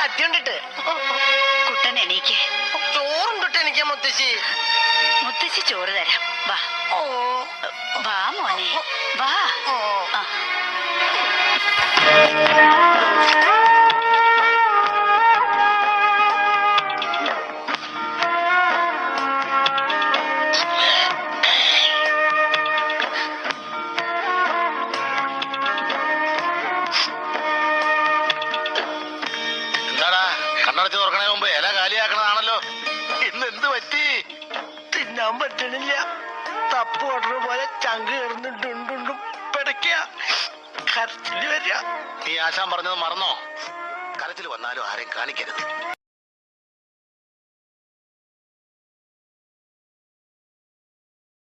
കത്തി കൊണ്ടിട്ട്. കുട്ടൻ എണീക്ക്. ചോറുണ്ടിട്ട് എനിക്ക് മുത്തശ്ശി. മുത്തശ്ശി ചോറ് തരാം. വാ ഓ വാ മോനെ വാ. ഓ കണ്ണടച്ച് തുറക്കണേ മുമ്പ് ഇല കാലിയാക്കണതാണല്ലോ. ഇന്ന് എന്ത് പറ്റി? തിന്നാൻ പറ്റണില്ല. തപ്പ് ഓർഡർ പോലെ ചങ്ക് കയറുന്നുണ്ടുണ്ടുണ്ടും പിടയ്ക്കുക. കരച്ചില് വരിക. നീ ആശാൻ പറഞ്ഞത് മറന്നോ? കരച്ചിൽ വന്നാലും ആരെയും കാണിക്കരുത്.